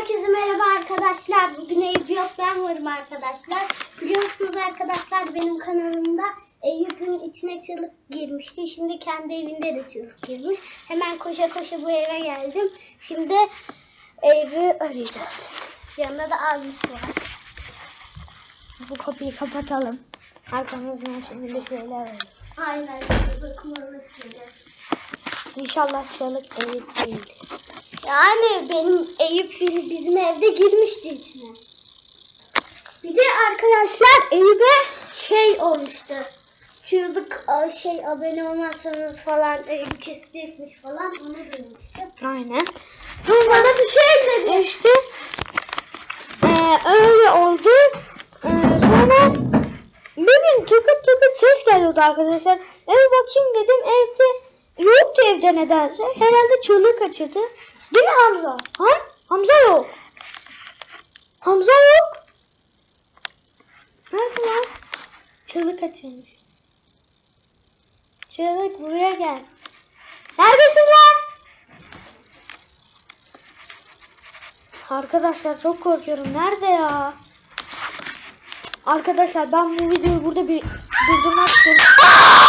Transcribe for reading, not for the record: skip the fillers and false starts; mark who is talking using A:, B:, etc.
A: Herkese merhaba arkadaşlar. Bugün Eyüp yok, ben varım arkadaşlar. Biliyorsunuz arkadaşlar, benim kanalımda Eyüp'ün içine çığlık girmişti. Şimdi kendi evinde de çığlık girmiş. Hemen koşa koşa bu eve geldim. Şimdi Eyüp'ü arayacağız. Yanında da abisi var. Bu kapıyı kapatalım. Arkamızdan şimdi de şöyle alalım. Aynen. Bakmalı. İnşallah çığlık Eyüp değildir. Yani benim Eyüp bizim evde girmişti içine. Bir de arkadaşlar Eyüp'e şey olmuştu. Çığlık abone olmazsanız falan Eyüp kesecekmiş falan, onu duymuştum. Aynen. Sonra bana bir şey dedi. İşte öyle oldu. Sonra bir gün tıkıt tıkıt ses geliyordu arkadaşlar. Eve bakayım dedim, evde yoktu, evde nedense. Herhalde çığlık kaçırdı. Değil mi Hamza? Ha? Hamza yok. Hamza yok. Nerede lan? Çığlık kaçırmış. Çığlık buraya gel. Neredesin lan? Arkadaşlar çok korkuyorum. Nerede ya? Arkadaşlar ben bu videoyu burada bir durdurmak istiyorum.